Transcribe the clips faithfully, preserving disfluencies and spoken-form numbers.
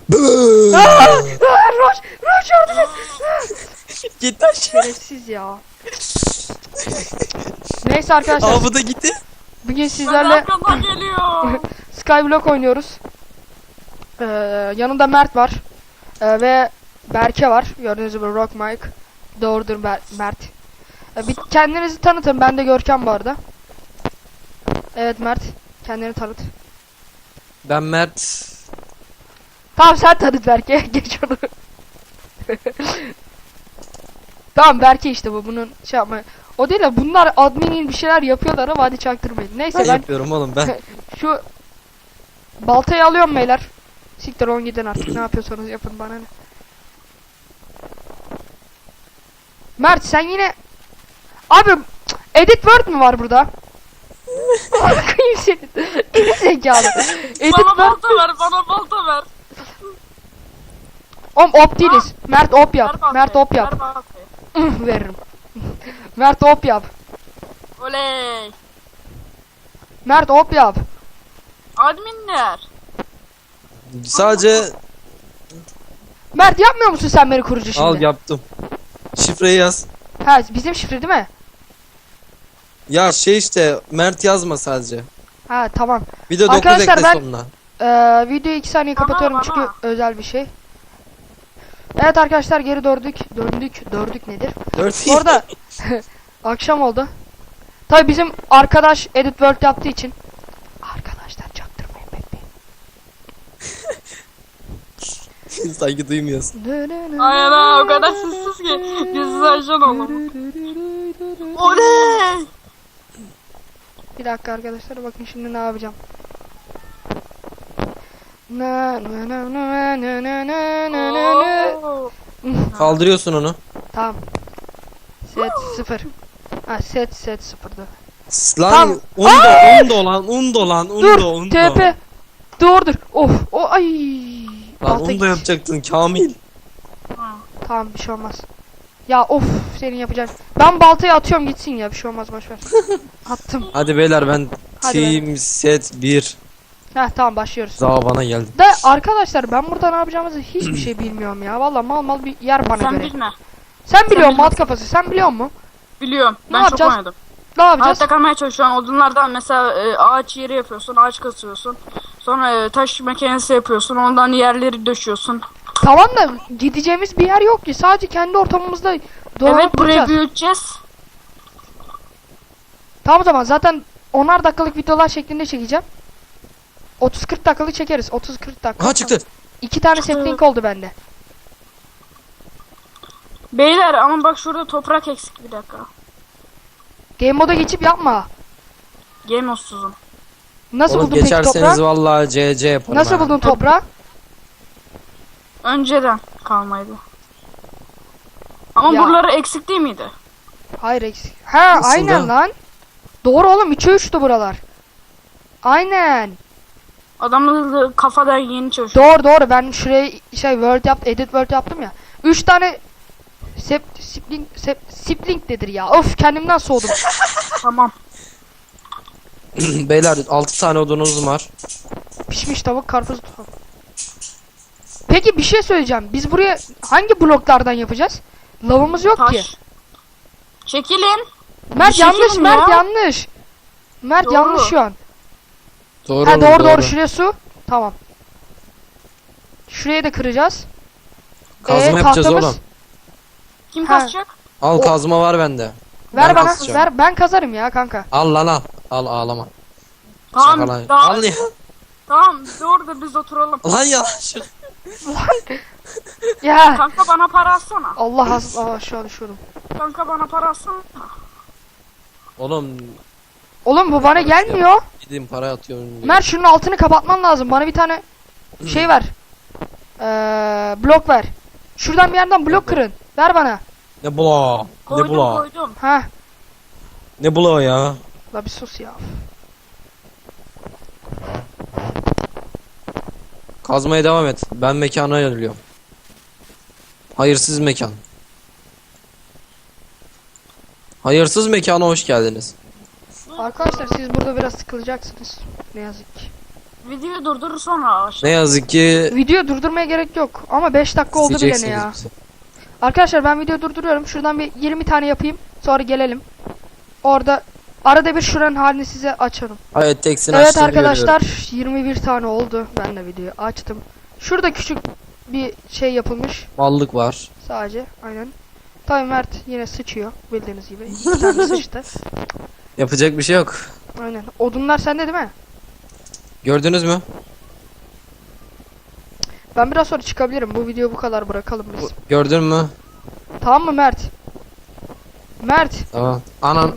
Aa, Roş, Roş yardım et. Git aşağı. Şerefsiz ya. Neyse arkadaşlar. Aa bu da gitti. Bugün sizlerle Arkamdan geliyor. Skyblock oynuyoruz. Ee, yanımda Mert var. Ee, ve Berke var. Gördüğünüz gibi Rock Mike. Doğrudur Ber Mert. Ee, bir kendinizi tanıtın. Ben de Görkem bu arada. Evet Mert. Kendini tanıt. Ben Mert. Tamam sen tanıt Berke. Geç onu. Tamam Berke işte bu. Bunun şey yapma. O değil de bunlar adminin bir şeyler yapıyorlar ama hadi çaktırmayın. Neyse Ben ben yapıyorum oğlum ben. şu baltayı alıyorum beyler. Siktir on gidin artık ne yapıyorsanız yapın bana ne. Mert sen yine abi edit word mü var burada? Bakayım senin. Geri zekalı. Edit Bana word. balta ver, bana balta ver. Oğlum op değiliz. Mert op Ver yap. baltayı, Mert op yap. ver baltayı. Veririm. Mert op yap. Oley. Mert op yap. Adminler. Sadece Mert yapmıyor musun sen beni kurucu şimdi? al yaptım. Şifreyi yaz. Ha bizim şifre değil mi? Ya şey işte Mert yazma sadece. Ha tamam. Bir de dokuz Arkadaşlar ekle ben- sonuna. Ee, videoyu iki saniye Bana, kapatıyorum bana. çünkü özel bir şey. Evet arkadaşlar geri döndük. Döndük. Dördük nedir? Dört. Orada akşam oldu. Tabi bizim arkadaş edit world yaptığı için arkadaşlar çaktırmayın bekleyin. Sanki duymuyorsun. Aynen ha, o kadar sessiz ki. Gizsiz ajan oğlum. Oley. Bir dakika arkadaşlar bakın şimdi ne yapacağım. Na na na na na na na na na na. Oo. Kaldırıyorsun onu. Tamam. Set sıfır. Ha set set sıfırdı. Lan Tamam. undo undo lan undo lan undo Dur undo. T P. Doğrudur. Of o ay. Lan Balta undo gitti. yapacaktın Kamil. Tamam bir şey olmaz. Ya of senin yapacağın. Ben baltayı atıyorum gitsin ya bir şey olmaz boşver. Attım. Hadi beyler ben Hadi team set bir. Heh tamam başlıyoruz. Zava bana geldi. De arkadaşlar ben burada ne yapacağımızı hiçbir şey bilmiyorum ya. Vallahi mal mal bir yer bana Sen göre. bilme. Sen biliyor musun bilme. mat kafası? Sen biliyor musun? Biliyorum. Ne Ben çok yapacağız? oynadım. Ne yapacağız? Hayatta kalmaya çalışıyorsun. Odunlardan mesela e, ağaç yeri yapıyorsun. Ağaç kasıyorsun. Sonra e, taş makinesi yapıyorsun. Ondan yerleri döşüyorsun. Tamam da gideceğimiz bir yer yok ki. Sadece kendi ortamımızda dolanıp Evet, burayı duracağız. büyüteceğiz. Tamam o zaman zaten onar dakikalık videolar şeklinde çekeceğim. otuz kırk dakikalık çekeriz. otuz kırk dakika. Ha çıktı. İki tane Çıktı. sapling oldu bende. Beyler ama bak şurada toprak eksik, bir dakika. Game moda geçip yapma. Game osuzum. Nasıl Oğlum buldun peki geçerseniz toprağı? vallahi C C yaparım. Nasıl ha. buldun toprağı? Önceden kalmaydı. Ama Ya. buraları eksik değil miydi? Hayır eksik. Ha Nasıl aynen da? lan. Doğru oğlum üçe üçtü buralar. Aynen. Adamın kafadan yeni çalışıyor. Doğru doğru ben şuraya şey word yap edit word yaptım ya. Üç tane sep sipling sep sipling nedir ya? Of kendimden soğudum. Tamam. Beyler altı tane odunuz var. Pişmiş tavuk karpuz tutam. Peki bir şey söyleyeceğim. Biz buraya hangi bloklardan yapacağız? Lavımız yok ki. Taş. Çekilin. Mert bir yanlış çekilin Mert ya. yanlış. Mert Doğru. yanlış şu an. Doğru Ha oğlum, doğru doğru şuraya su. Tamam. Şuraya da kıracağız. Kazma Ee, yapacağız tahtamız- oğlum. Kim Ha. kasacak? Al O- kazma var bende. Ver Ben bana. kasacağım. Ver ben kazarım ya kanka. Al lan al. Al ağlama. Tamam. Şaka lan. Tamam. Al ya. Tamam. Doğru da biz oturalım. Lan ya. Şu- Ya. Kanka bana para atsana. Allah az Aa, aşağı düşüyordum. Kanka bana para atsana. Oğlum Oğlum bu bana gelmiyor. gideyim para atıyorum. diye. Mert şunun altını kapatman lazım. Bana bir tane şey ver. Ee, blok ver. Şuradan bir yerden blok kırın. Ver bana. Ne bula? Ne Koydum bula? koydum. Ha. Ne bula ya? La bir sus ya. Kazmaya devam et. Ben mekana yöneliyorum. Hayırsız mekan. Hayırsız mekana hoş geldiniz. Arkadaşlar siz burada biraz sıkılacaksınız. Ne yazık ki. Videoyu durdurur sonra başla. Ne yazık ki Video durdurmaya gerek yok ama beş dakika oldu bile ne isteyeceksiniz ya. bizi. Arkadaşlar ben video durduruyorum. Şuradan bir yirmi tane yapayım. Sonra gelelim. Orada arada bir şuranın halini size açarım. Evet teksini Evet açtığını arkadaşlar görüyorum. yirmi bir tane oldu. Ben de videoyu açtım. Şurada küçük bir şey yapılmış. Mallık var. Sadece aynen. Tabii Mert yine sıçıyor bildiğiniz gibi. İki tane sıçtı. Yapacak bir şey yok. Aynen. Odunlar sende değil mi? Gördünüz mü? Ben biraz sonra çıkabilirim. Bu videoyu bu kadar bırakalım biz. Bu- Gördün mü? Tamam mı Mert? Mert. Tamam. Anam.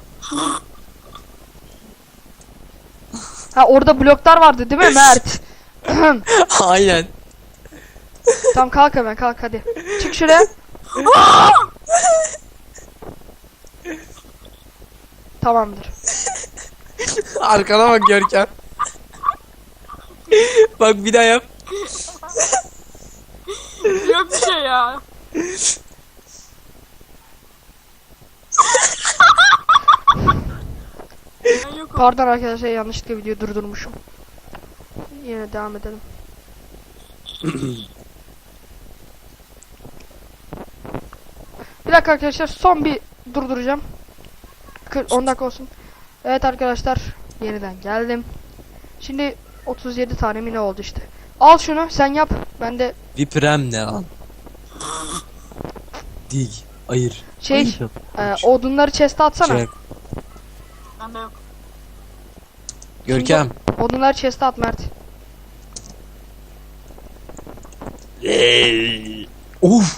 Ha orada bloklar vardı değil mi Mert? Aynen. Tamam kalk hemen kalk hadi. Çık şuraya. Tamamdır. Arkana bak Görkem. Bak bir daha yap. Yok bir şey ya. Ben yokum. Pardon arkadaşlar yanlışlıkla videoyu durdurmuşum. Yine devam edelim. Bir dakika arkadaşlar son bir durduracağım. on dakika olsun. Evet arkadaşlar yeniden geldim. Şimdi otuz yedi tane mi ne oldu işte. Al şunu sen yap. Ben de Viprem ne lan? Dig. Ayır. şey e, odunları chest'e atsana. Çek. Bende yok. Görkem. Odunları chest'e at Mert. Uf.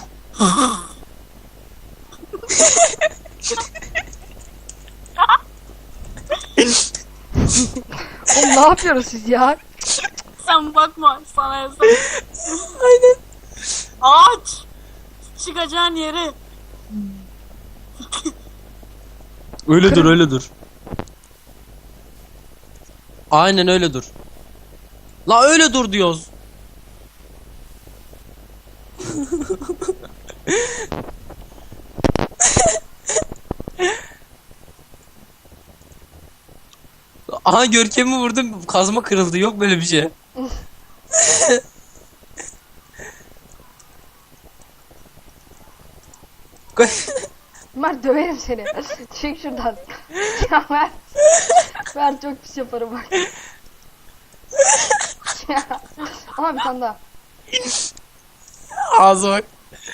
Oğlum ne yapıyorsunuz siz ya? Sen bakma sana yasak. Aynen. Ağaç. Çıkacağın yeri. Öyle dur öyle dur. Aynen öyle dur. La öyle dur diyoruz. Aha Görkem'i vurdum, kazma kırıldı, yok böyle bir şey. Mert döverim seni. Çık şuradan. Ya Mert. Mert çok pis yaparım bak. Ya. Ama bir tane daha. Ağzı bak.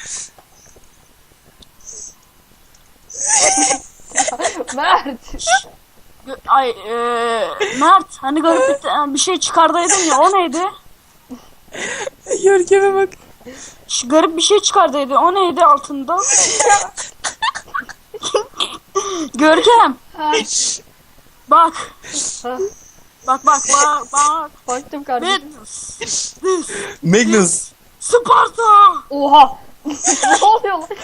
Mert. Gö- Ay eee Mert hani garip bir, ta- bir şey çıkardaydın ya o neydi? Görkem'e bak. Şu garip bir şey çıkardaydı o neydi altında? Görkem Ha, bak ha. bak bak bak bak. Baktım kardeşim. This, Magnus. Sparta. Oha. Ne oluyor lan?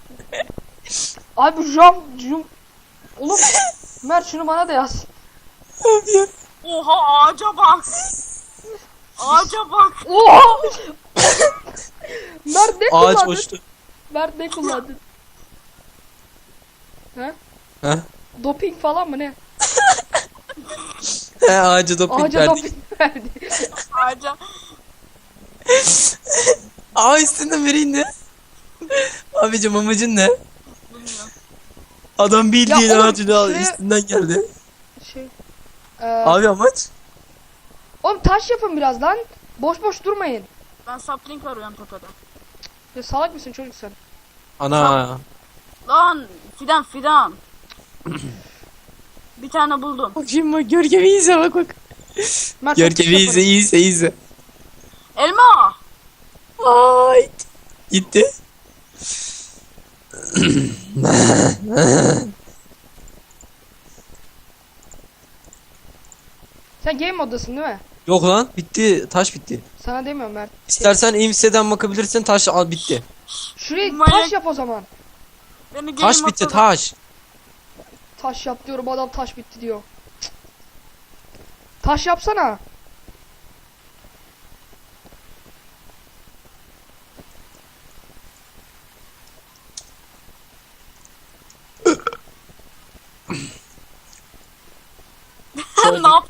Abi jam jum. Oğlum Mert şunu bana da yaz. Oha ağaca bak. Ağaca bak. Oha. Mert ne Ağaç kullandın? boştu. Mert ne kullandın? Ha? Ha? Doping falan mı ne? He, ağacı doping Ağaca verdik. doping verdi. Ağaca. Aa üstünde vereyim ne? Abicim amacın ne? Bilmiyorum. Adam bildiğin Ya oğlum, ağacını al şey- üstünden geldi. Şey. Ee, Abi amaç? oğlum taş yapın biraz lan. Boş boş durmayın. Ben sapling arıyorum tepeden. Ya salak mısın çocuk sen? Ana. Lan fidan fidan. Bir tane buldum. Bak şimdi bak Görkem'i izle bak bak. Mert çok Görkem'i pis izle yaparım. izle izle. Elma. Ay. Gitti. Sen game moddasın değil mi? Yok lan bitti, taş bitti. Sana demiyorum Mert. İstersen imseden bakabilirsin, taş al bitti. Şuraya Manyak- taş yap o zaman. Beni Taş gelin bitti, atladı. taş. Taş yap diyorum adam taş bitti diyor. Cık. Taş yapsana. Ne yap?